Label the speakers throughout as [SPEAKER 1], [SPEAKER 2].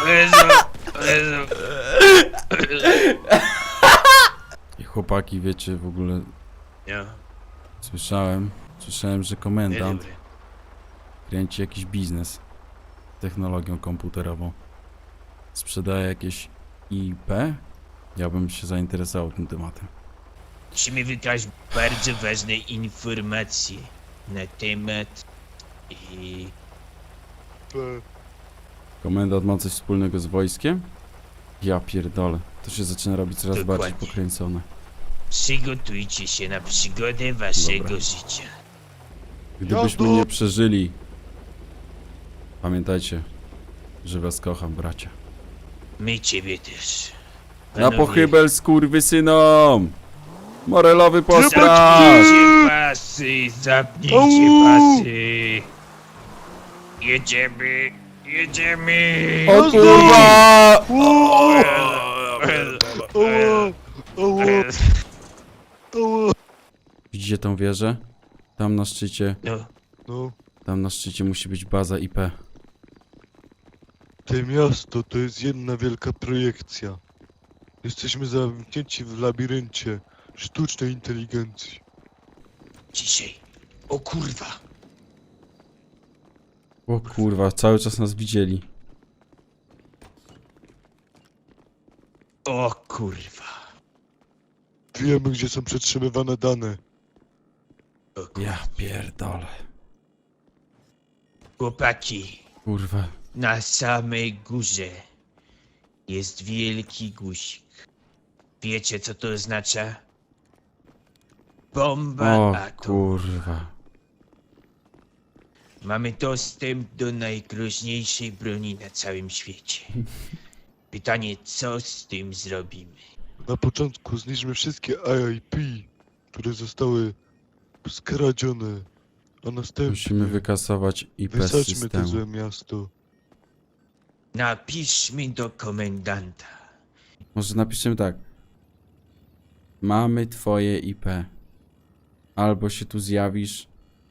[SPEAKER 1] I chłopaki, wiecie, w ogóle
[SPEAKER 2] Nie,
[SPEAKER 1] słyszałem, że
[SPEAKER 2] nie
[SPEAKER 1] komendant
[SPEAKER 2] dobry.
[SPEAKER 1] kręci jakiś biznes technologią komputerową. Sprzedaje jakieś IP? Ja bym się zainteresował tym tematem.
[SPEAKER 2] Musimy wykraść bardzo ważne informacje na temat i...
[SPEAKER 1] Komendant ma coś wspólnego z wojskiem? Ja pierdolę. To się zaczyna robić coraz bardziej
[SPEAKER 2] Dokładnie.
[SPEAKER 1] pokręcone.
[SPEAKER 2] Przygotujcie się na przygodę waszego
[SPEAKER 1] Dobra.
[SPEAKER 2] życia.
[SPEAKER 1] Gdybyśmy nie przeżyli, pamiętajcie, że was kocham, bracia.
[SPEAKER 2] My ciebie też.
[SPEAKER 1] Na
[SPEAKER 2] Panowie,
[SPEAKER 1] pochybel skurwysynom! Morelowy postraż!
[SPEAKER 2] Zapnijcie pasy, zapnijcie pasy. Jedziemy, jedziemy.
[SPEAKER 1] O kurwa! Widzicie tą wieżę? Tam na szczycie,
[SPEAKER 2] No,
[SPEAKER 1] tam na szczycie musi być baza IP.
[SPEAKER 3] To miasto to jest jedna wielka projekcja. Jesteśmy zamknięci w labiryncie sztucznej inteligencji.
[SPEAKER 2] dzisiaj. O kurwa.
[SPEAKER 1] O kurwa, cały czas nas widzieli.
[SPEAKER 2] O kurwa.
[SPEAKER 3] Wiemy, gdzie są przetrzymywane dane.
[SPEAKER 2] O kurwa.
[SPEAKER 1] Ja pierdolę.
[SPEAKER 2] Chłopaki,
[SPEAKER 1] Kurwa.
[SPEAKER 2] na samej górze jest wielki guzik. Wiecie, co to oznacza? Bomba
[SPEAKER 1] O
[SPEAKER 2] atomowa.
[SPEAKER 1] kurwa.
[SPEAKER 2] Mamy dostęp do najgroźniejszej broni na całym świecie. Pytanie, co z tym zrobimy?
[SPEAKER 3] Na początku zniszczmy wszystkie IIP, które zostały skradzione, a następnie
[SPEAKER 1] Musimy wykasować IP z
[SPEAKER 3] wysadźmy to złe
[SPEAKER 1] systemu.
[SPEAKER 3] miasto.
[SPEAKER 2] Napiszmy do komendanta.
[SPEAKER 1] Może napiszemy tak. Mamy twoje IP. Albo się tu zjawisz,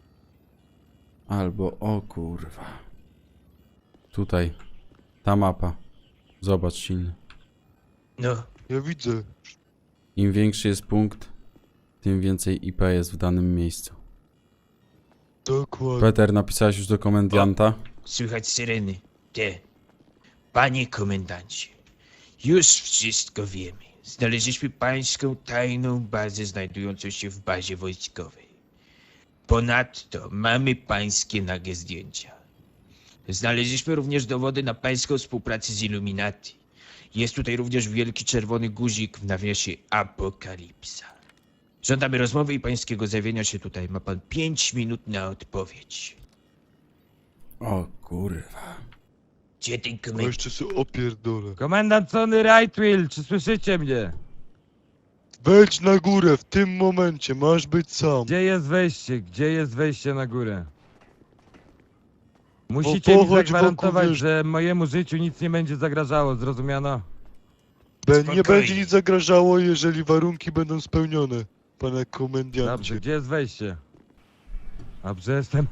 [SPEAKER 1] albo o kurwa. Tutaj. Ta mapa. Zobacz silny.
[SPEAKER 2] No,
[SPEAKER 3] Ja widzę.
[SPEAKER 1] Im większy jest punkt, tym więcej IP jest w danym miejscu.
[SPEAKER 3] Dokładnie.
[SPEAKER 1] Peter, napisałeś już do komendanta?
[SPEAKER 2] słychać syreny. Te. Panie komendancie, już wszystko wiemy. Znaleźliśmy pańską tajną bazę znajdującą się w bazie wojskowej. Ponadto mamy pańskie nagie zdjęcia. Znaleźliśmy również dowody na pańską współpracę z Illuminati. Jest tutaj również wielki czerwony guzik w nawiasie Apokalipsa. Żądamy rozmowy i pańskiego zjawienia się tutaj. Ma pan 5 minut na odpowiedź.
[SPEAKER 1] O kurwa.
[SPEAKER 2] Gdzie ten
[SPEAKER 3] A
[SPEAKER 2] komendant?
[SPEAKER 3] jeszcze się opierdolę.
[SPEAKER 4] Komendant Sony Rightwheel, czy słyszycie mnie?
[SPEAKER 3] Wejdź na górę w tym momencie, masz być sam.
[SPEAKER 4] Gdzie jest wejście? Gdzie jest wejście na górę? Musicie mi
[SPEAKER 3] pochodź
[SPEAKER 4] zagwarantować,
[SPEAKER 3] wokół
[SPEAKER 4] że mojemu życiu nic nie będzie zagrażało, zrozumiano?
[SPEAKER 3] Nie
[SPEAKER 2] Spokojnie.
[SPEAKER 3] będzie nic zagrażało, jeżeli warunki będą spełnione, panie
[SPEAKER 4] Dobrze,
[SPEAKER 3] komendancie.
[SPEAKER 4] gdzie jest wejście? Dobrze, jestem...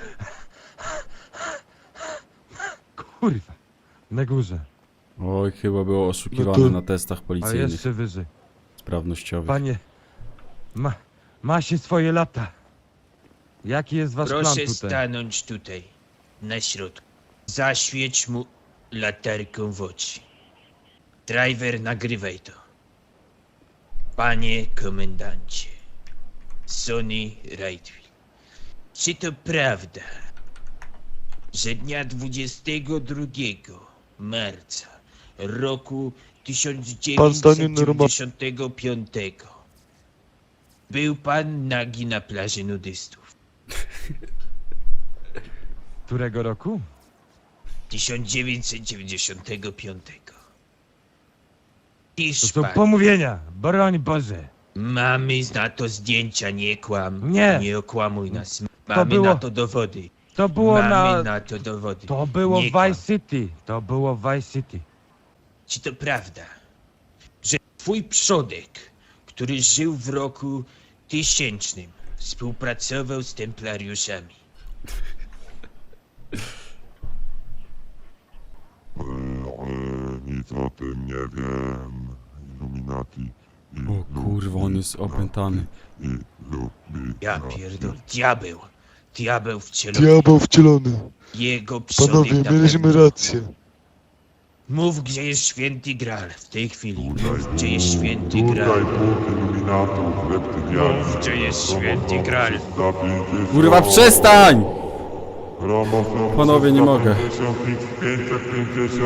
[SPEAKER 4] Kurwa, na górze,
[SPEAKER 1] Oj, chyba było oszukiwane
[SPEAKER 3] No to-
[SPEAKER 1] na testach
[SPEAKER 4] a
[SPEAKER 1] policyjnych,
[SPEAKER 4] jeszcze wyżej.
[SPEAKER 1] sprawnościowych.
[SPEAKER 4] Panie, ma się swoje lata. Jaki jest wasz plan
[SPEAKER 2] Proszę
[SPEAKER 4] tutaj?
[SPEAKER 2] stanąć tutaj, na środku. Zaświeć mu latarką w oczy. Driver, nagrywaj to. Panie komendancie, Sony Rightwheel, czy to prawda, że dnia 22 marca roku
[SPEAKER 3] Pan stanie normalnie.
[SPEAKER 2] 1995 był pan nagi na plaży nudystów?
[SPEAKER 4] Którego roku?
[SPEAKER 2] 1995.
[SPEAKER 4] To
[SPEAKER 2] Pisz
[SPEAKER 4] są
[SPEAKER 2] pan.
[SPEAKER 4] pomówienia, broń Boże.
[SPEAKER 2] Mamy na to zdjęcia, nie kłam.
[SPEAKER 4] Nie.
[SPEAKER 2] Nie okłamuj nas. Mamy
[SPEAKER 4] było-
[SPEAKER 2] na to dowody.
[SPEAKER 4] To było
[SPEAKER 2] Mamy na to dowody.
[SPEAKER 4] To było
[SPEAKER 2] Nie
[SPEAKER 4] w
[SPEAKER 2] kłam.
[SPEAKER 4] Vice City. To było w Vice City.
[SPEAKER 2] Czy to prawda, że twój przodek, który żył w roku 1000, współpracował z templariuszami?
[SPEAKER 5] Nic o tym nie wiem. Illuminati.
[SPEAKER 1] O kurwa, on jest opętany.
[SPEAKER 2] Ja pierdol, diabeł. Diabeł wcielony.
[SPEAKER 3] Diabeł wcielony.
[SPEAKER 2] Jego przodek
[SPEAKER 3] Panowie,
[SPEAKER 2] na
[SPEAKER 3] mieliśmy
[SPEAKER 2] pewno.
[SPEAKER 3] rację.
[SPEAKER 2] Mów, gdzie jest święty Graal w tej chwili. Mów, gdzie jest święty Graal.
[SPEAKER 5] Tutaj dwóch iluminatów, reptylianów.
[SPEAKER 2] Mów, gdzie jest święty Graal.
[SPEAKER 1] Kurwa, przestań! Panowie, nie mogę.
[SPEAKER 5] 550.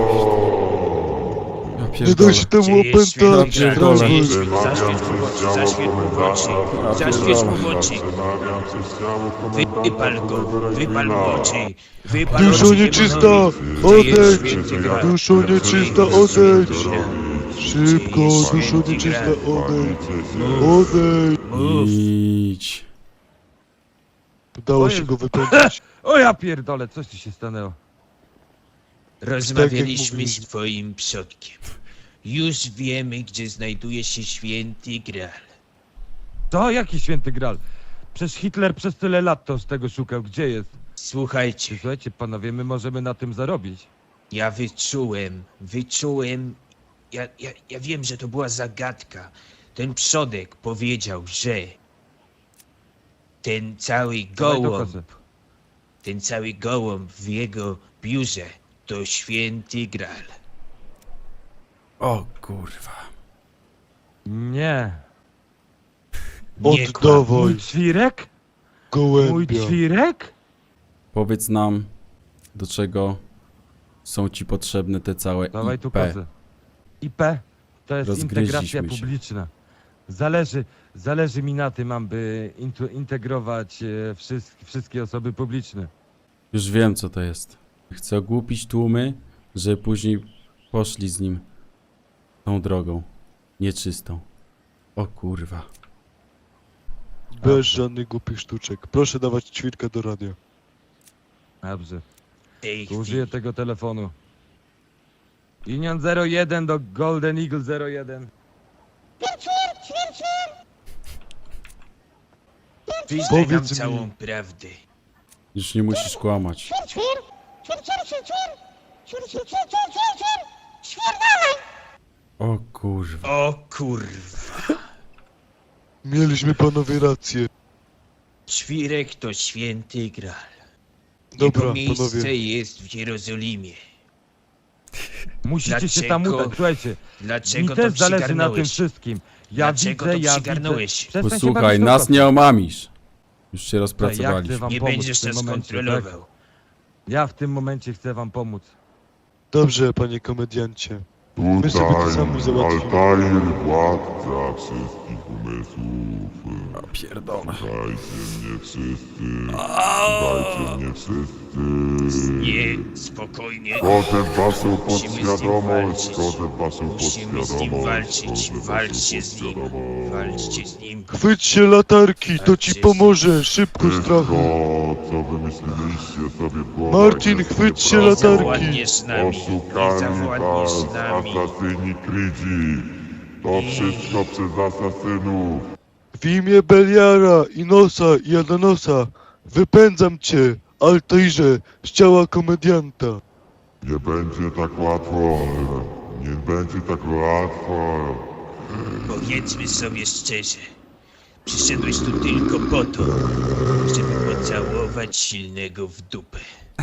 [SPEAKER 1] Ja
[SPEAKER 3] Nie
[SPEAKER 1] pierdolę.
[SPEAKER 3] da się temu
[SPEAKER 2] Gdzie jest święty
[SPEAKER 3] opętać.
[SPEAKER 2] Graal?
[SPEAKER 1] pierdolę.
[SPEAKER 2] Gdzie jest?
[SPEAKER 5] Wymawiam
[SPEAKER 2] Zaświeć mu w oczy, zaświeć mu w oczy. Zaświeć mu w oczy.
[SPEAKER 5] Przemawiam przez ciało komendanta
[SPEAKER 2] Wypal go,
[SPEAKER 5] Polnego
[SPEAKER 2] wypal mu
[SPEAKER 5] Regina.
[SPEAKER 2] oczy. Wypal
[SPEAKER 3] Duszo
[SPEAKER 2] oczy
[SPEAKER 3] nieczysta,
[SPEAKER 2] demonowi. Gdzie jest
[SPEAKER 3] odejdź!
[SPEAKER 2] święty Graal?
[SPEAKER 3] Duszo nieczysta, odejdź! Szybko, duszo nieczysta, odejdź! Odejdź!
[SPEAKER 2] Mów.
[SPEAKER 1] Idź.
[SPEAKER 3] Udało się go wypędzić.
[SPEAKER 4] O ja pierdolę, coś tu się stanęło.
[SPEAKER 2] Rozmawialiśmy
[SPEAKER 3] Tak
[SPEAKER 2] z twoim przodkiem. Już wiemy, gdzie znajduje się święty Graal.
[SPEAKER 4] To jaki święty Graal? Przecież Hitler przez tyle lat to z tego szukał. Gdzie jest?
[SPEAKER 2] Słuchajcie,
[SPEAKER 4] Słuchajcie panowie, my możemy na tym zarobić.
[SPEAKER 2] ja wyczułem, ja wiem, że to była zagadka. Ten przodek powiedział, że ten cały
[SPEAKER 4] Dawaj do
[SPEAKER 2] gołąb,
[SPEAKER 4] kozy.
[SPEAKER 2] ten cały gołąb w jego biurze to święty Graal.
[SPEAKER 1] O kurwa.
[SPEAKER 4] Nie.
[SPEAKER 2] Nie kłam.
[SPEAKER 3] Oddawaj
[SPEAKER 4] Mój ćwirek? Mój
[SPEAKER 3] gołębia.
[SPEAKER 4] ćwirek?
[SPEAKER 1] Powiedz nam, do czego są ci potrzebne te całe
[SPEAKER 4] Dawaj tu
[SPEAKER 1] IP.
[SPEAKER 4] kozę. IP to jest
[SPEAKER 1] Rozgryźliśmy
[SPEAKER 4] integracja
[SPEAKER 1] się.
[SPEAKER 4] publiczna. Zależy mi na tym, aby integrować wszystkie osoby publiczne.
[SPEAKER 1] Już wiem, co to jest. Chcę ogłupić tłumy, żeby później poszli z nim tą drogą. Nieczystą. O kurwa.
[SPEAKER 3] Bez żadnych głupich sztuczek. Proszę dawać ćwirkę do radia.
[SPEAKER 4] Dobrze.
[SPEAKER 2] W tej
[SPEAKER 4] To użyję
[SPEAKER 2] chwili.
[SPEAKER 4] tego telefonu. Union 01 do Golden Eagle 01.
[SPEAKER 2] Wyznaj nam
[SPEAKER 3] Powiedz mi.
[SPEAKER 2] całą prawdę.
[SPEAKER 1] Już nie musisz kłamać. O kurwa.
[SPEAKER 2] O kurwa.
[SPEAKER 3] Mieliśmy panowie rację.
[SPEAKER 2] Ćwirek to święty Graal.
[SPEAKER 3] Dobra,
[SPEAKER 2] Jego miejsce
[SPEAKER 3] panowie.
[SPEAKER 2] jest w Jerozolimie.
[SPEAKER 4] Musicie się tam
[SPEAKER 2] Dlaczego?
[SPEAKER 4] udać, słuchajcie.
[SPEAKER 2] Dlaczego
[SPEAKER 4] Mi
[SPEAKER 2] to
[SPEAKER 4] też zależy na tym
[SPEAKER 2] przygarnąłeś?
[SPEAKER 4] wszystkim.
[SPEAKER 2] Dlaczego to
[SPEAKER 4] ja
[SPEAKER 2] przygarnąłeś?
[SPEAKER 4] Przestań się
[SPEAKER 1] Posłuchaj,
[SPEAKER 4] bawić
[SPEAKER 1] nas
[SPEAKER 4] na
[SPEAKER 1] nie omamisz. Już się
[SPEAKER 4] Ja
[SPEAKER 1] rozpracowaliśmy.
[SPEAKER 4] chcę wam
[SPEAKER 2] Nie
[SPEAKER 4] pomóc
[SPEAKER 2] będziesz
[SPEAKER 4] w tym
[SPEAKER 2] nas
[SPEAKER 4] momencie,
[SPEAKER 2] kontrolował.
[SPEAKER 4] tak? Ja w tym momencie chcę wam pomóc.
[SPEAKER 3] Dobrze, panie komediancie. My sobie to
[SPEAKER 5] Tutaj
[SPEAKER 3] sami załatwimy.
[SPEAKER 5] Altair, władca wszystkich umysłów.
[SPEAKER 1] O pierdolę.
[SPEAKER 5] Słuchajcie mnie wszyscy. Słuchajcie mnie wszyscy.
[SPEAKER 2] Nie, spokojnie.
[SPEAKER 5] Wchodzę w waszą
[SPEAKER 2] Musimy z nim
[SPEAKER 5] podświadomość,
[SPEAKER 2] walczyć.
[SPEAKER 5] wchodzę w waszą
[SPEAKER 2] Musimy z nim
[SPEAKER 5] podświadomość.
[SPEAKER 2] walczyć.
[SPEAKER 5] wchodzę w
[SPEAKER 2] Walczcie
[SPEAKER 5] waszą
[SPEAKER 2] z nim.
[SPEAKER 5] podświadomość.
[SPEAKER 2] Walczcie z nim.
[SPEAKER 3] Chwyć się latarki, to ci pomoże. Szybko, strachu.
[SPEAKER 5] Wszystko, co wymyśliliście sobie w głowach,
[SPEAKER 3] Marcin,
[SPEAKER 5] jest
[SPEAKER 3] chwyć się
[SPEAKER 5] nieprawdą.
[SPEAKER 3] latarki.
[SPEAKER 2] Zawładniesz z nami.
[SPEAKER 5] Oszukali
[SPEAKER 2] Zawładniesz z
[SPEAKER 5] was
[SPEAKER 2] nami.
[SPEAKER 5] asasyni Krydzi. To wszystko przez asasynów.
[SPEAKER 3] W imię Beliara, Inosa i Adanosa wypędzam cię, Altairze, z ciała komedianta.
[SPEAKER 5] Nie będzie tak łatwo. Nie będzie tak łatwo.
[SPEAKER 2] Powiedzmy sobie szczerze. Przyszedłeś tu tylko po to, żeby pocałować silnego w dupę.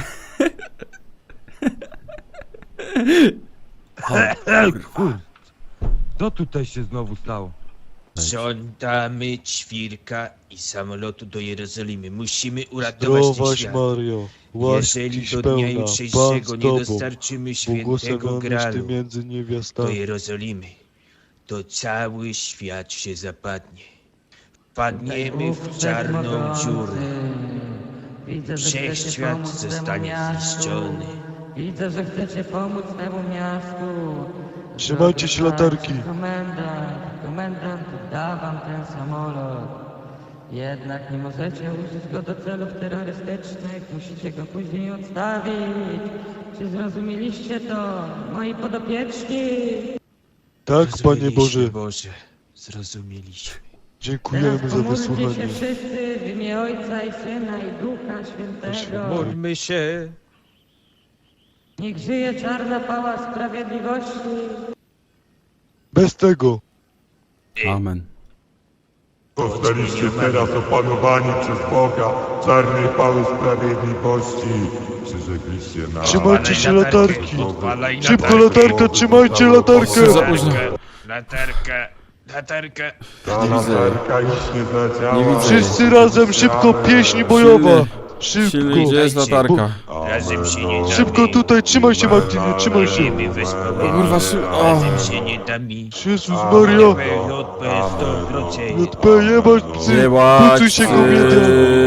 [SPEAKER 4] Ej, kur... Co tutaj się znowu stało?
[SPEAKER 2] Żądamy ćwirka i samolotu do Jerozolimy. Musimy uratować ten
[SPEAKER 3] Zdrowaś
[SPEAKER 2] świat.
[SPEAKER 3] Mario, łaski
[SPEAKER 2] Jeżeli
[SPEAKER 3] ci
[SPEAKER 2] do dnia
[SPEAKER 3] pełna, Pan
[SPEAKER 2] jutrzejszego
[SPEAKER 3] z
[SPEAKER 2] nie
[SPEAKER 3] tobą,
[SPEAKER 2] dostarczymy świętego
[SPEAKER 3] błogosławionyś Ty
[SPEAKER 2] Graalu
[SPEAKER 3] między
[SPEAKER 2] do
[SPEAKER 3] niewiastami.
[SPEAKER 2] Jerozolimy, to cały świat się zapadnie. Wpadniemy w czarną dziurę.
[SPEAKER 6] Widzę, że chcecie
[SPEAKER 2] Wszechświat
[SPEAKER 6] pomóc temu
[SPEAKER 2] zostanie
[SPEAKER 6] miastu.
[SPEAKER 2] zniszczony.
[SPEAKER 6] Widzę, że chcecie pomóc temu miastu.
[SPEAKER 3] Trzymajcie się latarki.
[SPEAKER 6] Komendant da wam ten samolot. Jednak nie możecie użyć go do celów terrorystycznych. Musicie go później odstawić. Czy zrozumieliście to, moi podopieczni?
[SPEAKER 3] Tak, Panie
[SPEAKER 2] Zrozumieliśmy,
[SPEAKER 3] Boże,
[SPEAKER 2] Boże, zrozumieliśmy.
[SPEAKER 3] dziękujemy
[SPEAKER 6] Teraz
[SPEAKER 3] za
[SPEAKER 6] pomóżcie się
[SPEAKER 3] wysłuchanie.
[SPEAKER 6] wszyscy w imię Ojca i Syna i Ducha Świętego.
[SPEAKER 2] Módlmy się.
[SPEAKER 6] Niech żyje czarna pała sprawiedliwości.
[SPEAKER 3] Bez tego.
[SPEAKER 1] Amen.
[SPEAKER 5] Zostaliście teraz opanowani przez Boga, czarnej pały sprawiedliwości. Przyrzekliście na...
[SPEAKER 3] Trzymajcie się
[SPEAKER 2] Odpalaj
[SPEAKER 3] latarki.
[SPEAKER 2] Odpalaj
[SPEAKER 3] Szybko latarka, trzymajcie latarkę.
[SPEAKER 1] Za późno.
[SPEAKER 2] Latarka.
[SPEAKER 5] Ta latarka już nie zadziała.
[SPEAKER 1] Nie widzę.
[SPEAKER 3] Wszyscy razem, szybko, pieśń bojowa.
[SPEAKER 1] Silny,
[SPEAKER 3] Szybko.
[SPEAKER 1] gdzie jest latarka?
[SPEAKER 2] Razem się nie damy.
[SPEAKER 3] Szybko tutaj, trzymaj się Martinie, trzymaj się.
[SPEAKER 2] Wiemy wespół.
[SPEAKER 1] Kurwa,
[SPEAKER 2] Razem się nie damy.
[SPEAKER 3] Jezus Maria.
[SPEAKER 2] JP 100%.
[SPEAKER 3] JP, jebać psy.
[SPEAKER 1] Jebać
[SPEAKER 3] Pucuj się
[SPEAKER 1] psy.
[SPEAKER 3] kobieta.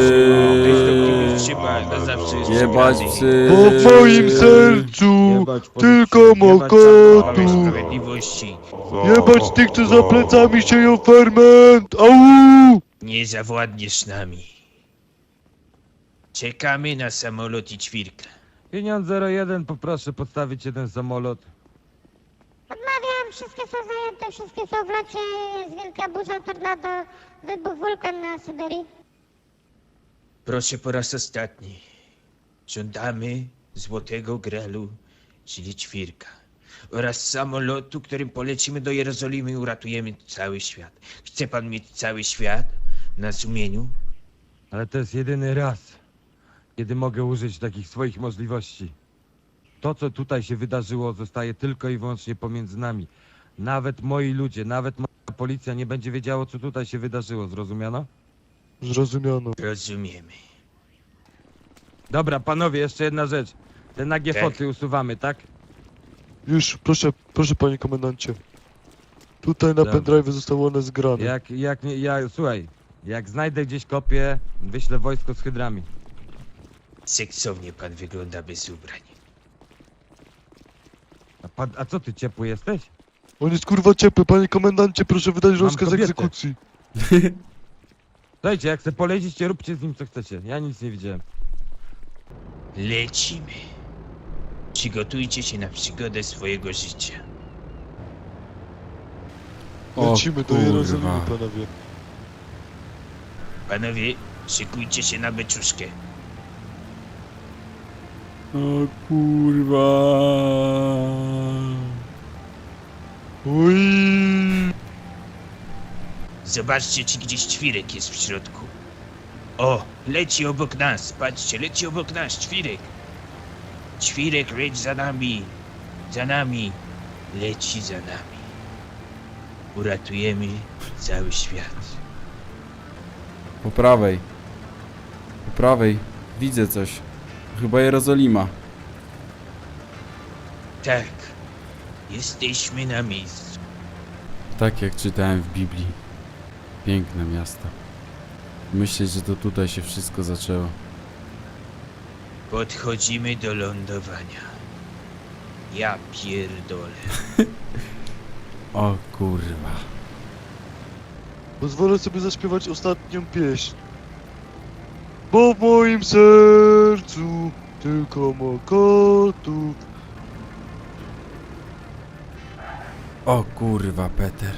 [SPEAKER 2] Trzeba na zawsze
[SPEAKER 1] Jebać psy.
[SPEAKER 3] Bo w moim sercu tylko mokotu.
[SPEAKER 2] Sprawiedliwości.
[SPEAKER 3] Jebać tych, co za plecami sieją ferment. Au!
[SPEAKER 2] Nie zawładniesz nami. Czekamy na samolot i ćwirkę.
[SPEAKER 4] Pieniądz 01, poproszę podstawić jeden samolot.
[SPEAKER 7] Odmawiam, wszystkie są zajęte, wszystkie są w locie, jest wielka burza, tornado, wybuch wulkan na Syberii.
[SPEAKER 2] Proszę po raz ostatni. Żądamy Złotego Gralu, czyli ćwirka. Oraz samolotu, którym polecimy do Jerozolimy i uratujemy cały świat. Chce pan mieć cały świat na sumieniu?
[SPEAKER 4] Ale to jest jedyny raz, kiedy mogę użyć takich swoich możliwości. To, co tutaj się wydarzyło, zostaje tylko i wyłącznie pomiędzy nami. Nawet moi ludzie, nawet moja policja nie będzie wiedziało, co tutaj się wydarzyło. Zrozumiano?
[SPEAKER 3] Zrozumiano.
[SPEAKER 2] Rozumiemy.
[SPEAKER 4] Dobra, panowie, jeszcze jedna rzecz. Te nagie
[SPEAKER 2] Tak.
[SPEAKER 4] foty usuwamy, tak?
[SPEAKER 3] Już, proszę panie komendancie. Tutaj na
[SPEAKER 4] Dobra.
[SPEAKER 3] pendrive zostały one zgrane.
[SPEAKER 4] Jak nie, słuchaj, jak znajdę gdzieś kopię, wyślę wojsko z hydrami.
[SPEAKER 2] Seksownie pan wygląda bez ubrań.
[SPEAKER 4] A co ty, ciepły jesteś?
[SPEAKER 3] On jest kurwa ciepły, panie komendancie, proszę wydać rozkaz
[SPEAKER 4] kobietę.
[SPEAKER 3] egzekucji.
[SPEAKER 4] Słuchajcie, jak chcę polecić, róbcie z nim co chcecie. Ja nic nie widziałem.
[SPEAKER 2] Lecimy. Przygotujcie się na przygodę swojego życia.
[SPEAKER 1] O
[SPEAKER 3] Lecimy do Jerozolimy,
[SPEAKER 1] kurwa.
[SPEAKER 3] panowie.
[SPEAKER 2] Panowie, szykujcie się na beczuszkę.
[SPEAKER 1] O kurwa.
[SPEAKER 3] Oj.
[SPEAKER 2] Zobaczcie, czy gdzieś ćwirek jest w środku. O, leci obok nas, patrzcie, leci obok nas ćwirek. Ćwirek, leć za nami, leci za nami. Uratujemy cały świat.
[SPEAKER 1] Po prawej. Po prawej. Widzę coś. Chyba Jerozolima.
[SPEAKER 2] Tak, jesteśmy na miejscu.
[SPEAKER 1] Tak jak czytałem w Biblii. Piękne miasto. Myślę, że to tutaj się wszystko zaczęło.
[SPEAKER 2] Podchodzimy do lądowania. Ja pierdolę.
[SPEAKER 1] O kurwa.
[SPEAKER 3] Pozwolę sobie zaśpiewać ostatnią pieśń. Bo w moim sercu tylko mokotów.
[SPEAKER 1] O kurwa, Peter.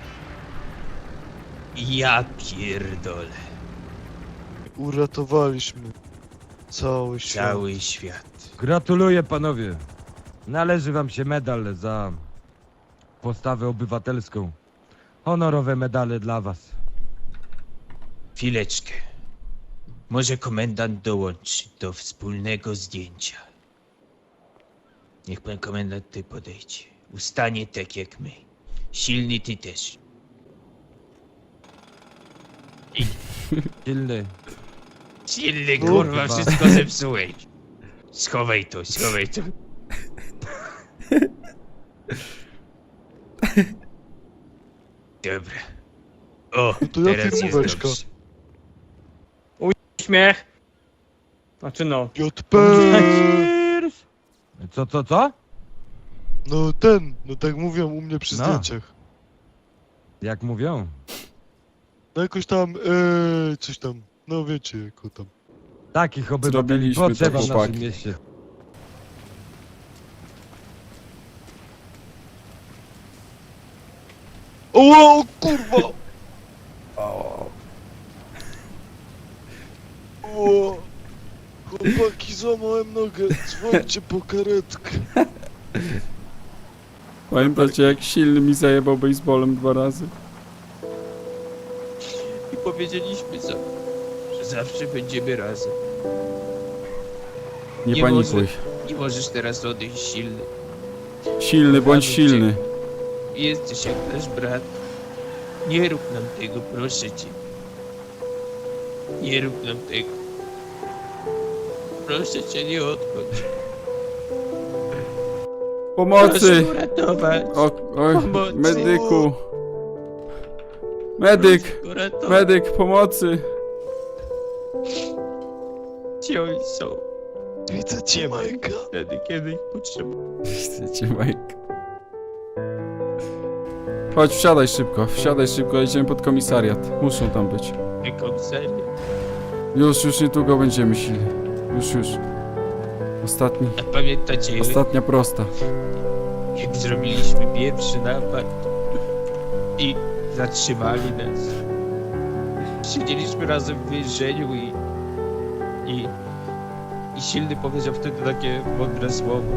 [SPEAKER 2] Ja pierdolę.
[SPEAKER 3] Uratowaliśmy cały świat.
[SPEAKER 2] Cały świat.
[SPEAKER 4] Gratuluję, panowie. Należy wam się medal za postawę obywatelską. Honorowe medale dla was.
[SPEAKER 2] Chwileczkę. Może komendant dołączy do wspólnego zdjęcia. Niech pan komendant ty podejdzie. Ustanie tak jak my. Silny ty też.
[SPEAKER 4] Silny.
[SPEAKER 2] Silny
[SPEAKER 3] No,
[SPEAKER 2] kurwa,
[SPEAKER 4] chyba.
[SPEAKER 2] wszystko zepsułeś. Schowaj to, schowaj to. Dobra. O,
[SPEAKER 3] No to ja
[SPEAKER 2] teraz jest
[SPEAKER 3] firmóweczka.
[SPEAKER 2] dobrze.
[SPEAKER 8] Śmiech. Znaczy no.
[SPEAKER 3] JP!
[SPEAKER 4] Co?
[SPEAKER 3] No tak mówią u mnie przy
[SPEAKER 4] No.
[SPEAKER 3] zdjęciach.
[SPEAKER 4] Jak mówią?
[SPEAKER 3] No jakoś tam, coś tam, no wiecie, jako tam.
[SPEAKER 4] Takich obywateli
[SPEAKER 1] Zrobiliśmy to,
[SPEAKER 4] potrzeba w
[SPEAKER 1] chłopaki.
[SPEAKER 4] naszym mieście.
[SPEAKER 3] O kurwa! O, chłopaki, Chłopaki, złamałem nogę, dzwońcie po karetkę.
[SPEAKER 1] Pamiętacie, jak silny mi zajebał baseballem 2 razy?
[SPEAKER 2] I powiedzieliśmy sobie, że zawsze będziemy razem.
[SPEAKER 1] Nie
[SPEAKER 2] Nie
[SPEAKER 1] panikuj.
[SPEAKER 2] Nie możesz teraz odejść silny.
[SPEAKER 1] Silny, bądź
[SPEAKER 2] Kochamy cię.
[SPEAKER 1] silny.
[SPEAKER 2] Jesteś jak nasz brat. Nie rób nam tego, proszę cię. Nie rób nam tego. Proszę cię, nie odchodź.
[SPEAKER 1] Pomocy!
[SPEAKER 2] Proszę uratować.
[SPEAKER 1] Oj,
[SPEAKER 2] Pomocy.
[SPEAKER 1] medyku. Medyk!
[SPEAKER 2] Proszę uratować.
[SPEAKER 1] Medyk, pomocy!
[SPEAKER 2] Gdzie oni są?
[SPEAKER 3] Widzę cię, Majka.
[SPEAKER 2] Wtedy, kiedy ich potrzebuję.
[SPEAKER 1] Chcecie, Mike. Chodź, wsiadaj szybko, jedziemy pod komisariat. Muszą tam być.
[SPEAKER 2] Komisariat.
[SPEAKER 1] Już niedługo będziemy silni. Już.
[SPEAKER 2] A pamiętacie,
[SPEAKER 1] Ostatnia prosta.
[SPEAKER 2] jak zrobiliśmy pierwszy napad i zatrzymali nas? Siedzieliśmy razem w więzieniu i silny powiedział wtedy takie mądre słowo.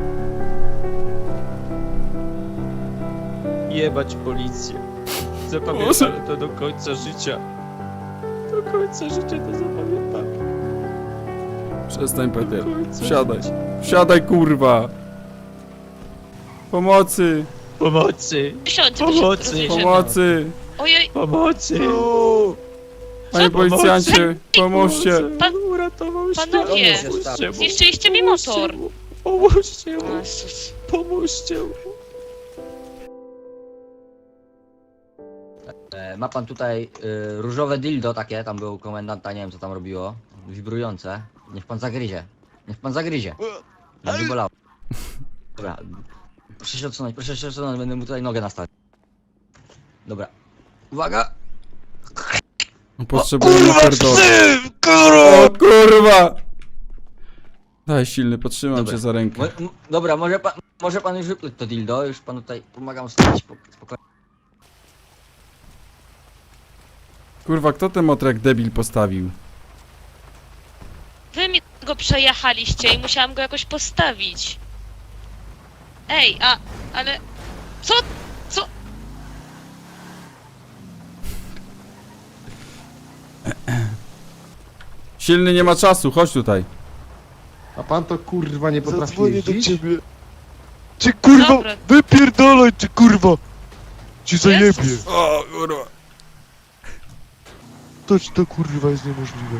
[SPEAKER 2] Jebać policję. Zapamiętam to do końca życia. Do końca życia to zapamiętam.
[SPEAKER 1] Przestań, Peter.
[SPEAKER 2] Do końca
[SPEAKER 1] Wsiadaj.
[SPEAKER 2] życia.
[SPEAKER 1] Wsiadaj, kurwa! Pomocy!
[SPEAKER 2] Pomocy! Pomocy!
[SPEAKER 1] Pomocy!
[SPEAKER 9] Ojej,
[SPEAKER 2] Pomocy!
[SPEAKER 1] Panie policjancie, pomóżcie!
[SPEAKER 9] Pan-
[SPEAKER 2] Uratował się!
[SPEAKER 9] panowie,
[SPEAKER 2] Pomóżcie mu!
[SPEAKER 9] zniszczyliście mi motor.
[SPEAKER 2] Pomóżcie mu!
[SPEAKER 9] Jezus.
[SPEAKER 2] Pomóżcie mu!
[SPEAKER 10] Ma pan tutaj różowe dildo takie, tam był komendanta, nie wiem co tam robiło, wibrujące. Niech pan zagryzie. Będzie bolało. Dobra, proszę się odsunąć, będę mu tutaj nogę nastawić. Dobra, uwaga!
[SPEAKER 1] Potrzebuję napierdolę. O kurwa! Daj silny, potrzymam
[SPEAKER 10] Dobra.
[SPEAKER 1] cię za rękę.
[SPEAKER 10] Dobra, może pan już wypluć to dildo, już panu tutaj pomagam stać spokojnie.
[SPEAKER 1] Kurwa, kto ten motor jak debil postawił?
[SPEAKER 9] Wy mi go przejechaliście i musiałam go jakoś postawić. Ej, ale... Co?
[SPEAKER 1] Silny nie ma czasu, chodź tutaj.
[SPEAKER 11] A pan to kurwa nie potrafi
[SPEAKER 3] Zadzwonię do
[SPEAKER 11] jeździć?
[SPEAKER 3] ciebie. Ty kurwa,
[SPEAKER 9] Dobra.
[SPEAKER 3] wypierdolaj ty kurwa! Ci zajebie.
[SPEAKER 9] Jezus.
[SPEAKER 1] O kurwa.
[SPEAKER 3] To kurwa jest niemożliwe.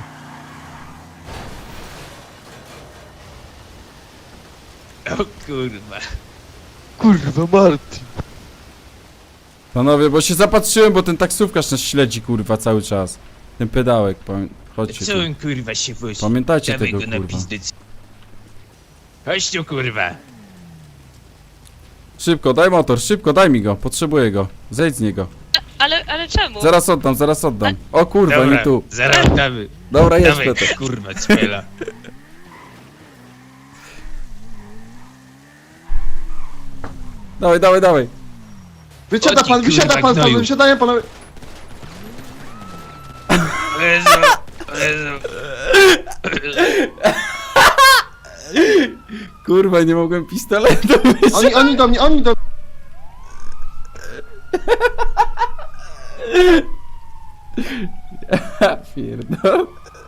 [SPEAKER 2] O kurwa!
[SPEAKER 3] Kurwa, Martin.
[SPEAKER 1] Panowie, bo się zapatrzyłem, bo ten taksówkarz nas śledzi kurwa cały czas. Ten pedałek, chodźcie
[SPEAKER 2] Co
[SPEAKER 1] tu.
[SPEAKER 2] on kurwa się wozi?
[SPEAKER 1] Pamiętajcie
[SPEAKER 2] Dawaj
[SPEAKER 1] tego
[SPEAKER 2] go na
[SPEAKER 1] kurwa.
[SPEAKER 2] pizdyc. Chodź tu kurwa!
[SPEAKER 1] Szybko, daj motor, szybko, daj mi go, potrzebuję go. Zejdź z niego.
[SPEAKER 9] Ale czemu?
[SPEAKER 1] Zaraz oddam. O kurwa,
[SPEAKER 2] Dobra,
[SPEAKER 1] nie tu.
[SPEAKER 2] zaraz damy.
[SPEAKER 1] Dobra, jedź
[SPEAKER 2] Dawaj
[SPEAKER 1] Peter.
[SPEAKER 2] kurwa, cmela.
[SPEAKER 1] Dawaj.
[SPEAKER 11] Wysiada
[SPEAKER 2] O ty
[SPEAKER 11] pan, wysiada
[SPEAKER 2] kurwa
[SPEAKER 11] pan,
[SPEAKER 2] gnoju.
[SPEAKER 11] wysiadają panowie.
[SPEAKER 2] Jezu, Jezu.
[SPEAKER 1] Kurwa, nie mogłem pistoletu wyciągnąć.
[SPEAKER 11] Oni do mnie.
[SPEAKER 1] Pierdol.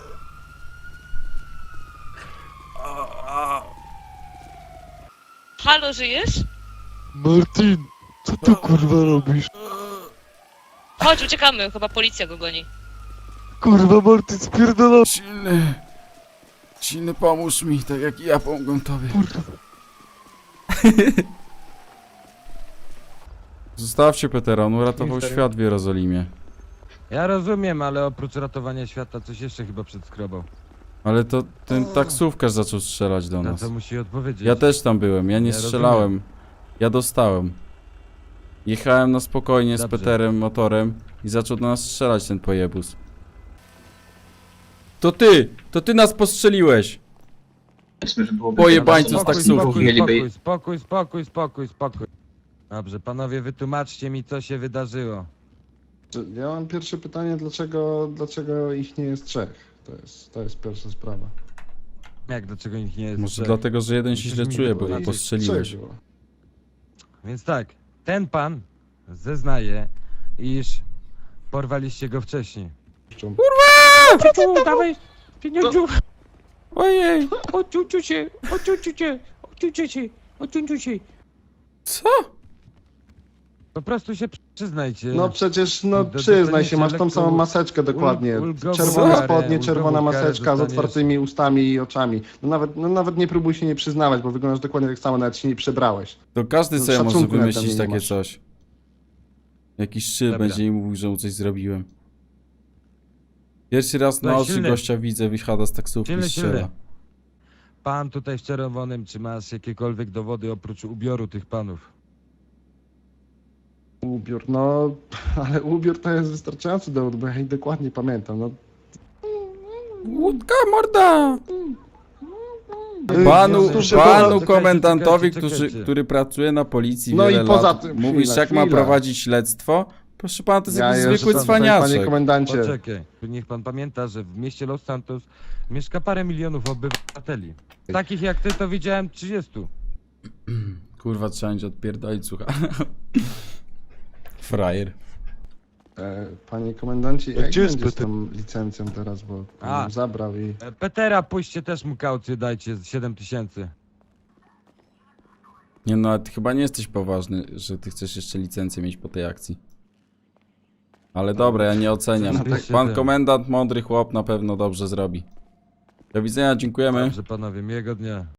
[SPEAKER 9] Halo, żyjesz?
[SPEAKER 3] Martin, co ty kurwa robisz?
[SPEAKER 9] Chodź, uciekamy, chyba policja go goni.
[SPEAKER 3] Kurwa, Martin, spierdolaj.
[SPEAKER 1] Silny, pomóż mi, tak jak ja pomogłem tobie. Zostawcie Petera, on uratował świat w Jerozolimie.
[SPEAKER 4] Ja rozumiem, ale oprócz ratowania świata coś jeszcze chyba przedskrobał.
[SPEAKER 1] Ale to ten taksówkarz zaczął strzelać do
[SPEAKER 4] Na
[SPEAKER 1] nas.
[SPEAKER 4] co musi odpowiedzieć?
[SPEAKER 1] Ja też tam byłem, ja nie
[SPEAKER 4] Ja
[SPEAKER 1] strzelałem. Ja dostałem. Jechałem na spokojnie z
[SPEAKER 4] Dobrze.
[SPEAKER 1] Peterem motorem i zaczął do nas strzelać ten pojebus. To ty nas postrzeliłeś! Pojebańcu z taksówki.
[SPEAKER 4] Spokój. Dobrze, panowie, wytłumaczcie mi, co się wydarzyło.
[SPEAKER 11] Ja mam pierwsze pytanie, dlaczego ich nie jest trzech? To jest pierwsza sprawa.
[SPEAKER 4] Jak dlaczego ich nie jest
[SPEAKER 1] Może
[SPEAKER 4] trzech?
[SPEAKER 1] dlatego, że jeden się
[SPEAKER 4] Musisz
[SPEAKER 1] źle
[SPEAKER 4] mi
[SPEAKER 1] czuje, bo go
[SPEAKER 4] powiedzieć.
[SPEAKER 1] postrzeliłeś.
[SPEAKER 11] Trzech było.
[SPEAKER 4] Więc tak, ten pan zeznaje, iż porwaliście go wcześniej.
[SPEAKER 8] Ciuciu, dawaj! Pieniądzu!
[SPEAKER 1] Ojej!
[SPEAKER 8] Odciuciu się! Odciuciu się! Odciuciu się! Odciuciu się!
[SPEAKER 1] Co?
[SPEAKER 4] Po prostu się przyznajcie.
[SPEAKER 11] No przecież,
[SPEAKER 4] Do-
[SPEAKER 11] przyznaj się, masz tą
[SPEAKER 4] dostaniecie
[SPEAKER 11] samą
[SPEAKER 4] lekką
[SPEAKER 11] maseczkę dokładnie.
[SPEAKER 4] ulgową
[SPEAKER 11] Czerwone
[SPEAKER 4] karę,
[SPEAKER 11] spodnie, czerwona
[SPEAKER 4] ulgową karę
[SPEAKER 11] maseczka z
[SPEAKER 4] dostaniesz.
[SPEAKER 11] otwartymi ustami i oczami. No nawet nie próbuj się nie przyznawać, bo wyglądasz dokładnie tak samo, nawet się nie przebrałeś.
[SPEAKER 1] To każdy
[SPEAKER 11] No,
[SPEAKER 1] sobie może
[SPEAKER 11] szacunku nawet
[SPEAKER 1] wymyślić
[SPEAKER 11] nie
[SPEAKER 1] takie
[SPEAKER 11] masz.
[SPEAKER 1] coś. Jakiś szczyt
[SPEAKER 4] Dobra.
[SPEAKER 1] będzie mi mówił, że mu coś zrobiłem. Pierwszy raz na
[SPEAKER 4] Słuchaj,
[SPEAKER 1] oczy
[SPEAKER 4] silny.
[SPEAKER 1] gościa widzę, wysiada z taksówki i
[SPEAKER 4] Silny,
[SPEAKER 1] strzela.
[SPEAKER 4] silny. Pan tutaj w czerwonym, czy masz jakiekolwiek dowody oprócz ubioru tych panów?
[SPEAKER 11] Ubiór, no, ale ubiór to jest wystarczający dowód, bo ja ich dokładnie pamiętam, no.
[SPEAKER 1] Łódka, morda!
[SPEAKER 11] Jezu,
[SPEAKER 1] Panu
[SPEAKER 11] czekajcie,
[SPEAKER 1] komendantowi,
[SPEAKER 4] czekajcie.
[SPEAKER 1] który pracuje na policji
[SPEAKER 11] No
[SPEAKER 1] wiele
[SPEAKER 11] i poza
[SPEAKER 1] lat,
[SPEAKER 11] tym,
[SPEAKER 1] mówisz
[SPEAKER 11] chwila,
[SPEAKER 1] jak ma
[SPEAKER 11] chwila.
[SPEAKER 1] prowadzić śledztwo? Proszę pana, to jest
[SPEAKER 11] Ja
[SPEAKER 1] jakiś
[SPEAKER 11] jeszcze
[SPEAKER 1] zwykły
[SPEAKER 11] tam,
[SPEAKER 1] cwaniaczek.
[SPEAKER 11] panie komendancie.
[SPEAKER 4] Poczekaj, niech pan pamięta, że w mieście Los Santos mieszka parę milionów obywateli. Takich jak ty to widziałem 30.
[SPEAKER 1] Kurwa, trzeba będzie odpierdolić, słucha. Frajer.
[SPEAKER 11] Panie komendancie, jak
[SPEAKER 3] gdzie jest
[SPEAKER 11] będzie z
[SPEAKER 3] Peter?
[SPEAKER 11] tą licencją teraz, bo
[SPEAKER 4] A.
[SPEAKER 11] ją zabrał i...
[SPEAKER 4] Petera, puśćcie też mu kaucję, dajcie 7000.
[SPEAKER 1] Nie no, ale ty chyba nie jesteś poważny, że ty chcesz jeszcze licencję mieć po tej akcji. Ale dobra, ja nie oceniam.
[SPEAKER 4] Zapiszcie
[SPEAKER 1] Pan
[SPEAKER 4] ten.
[SPEAKER 1] komendant, mądry chłop, na pewno dobrze zrobi. Do widzenia, dziękujemy.
[SPEAKER 4] Dobrze panowie, miłego dnia.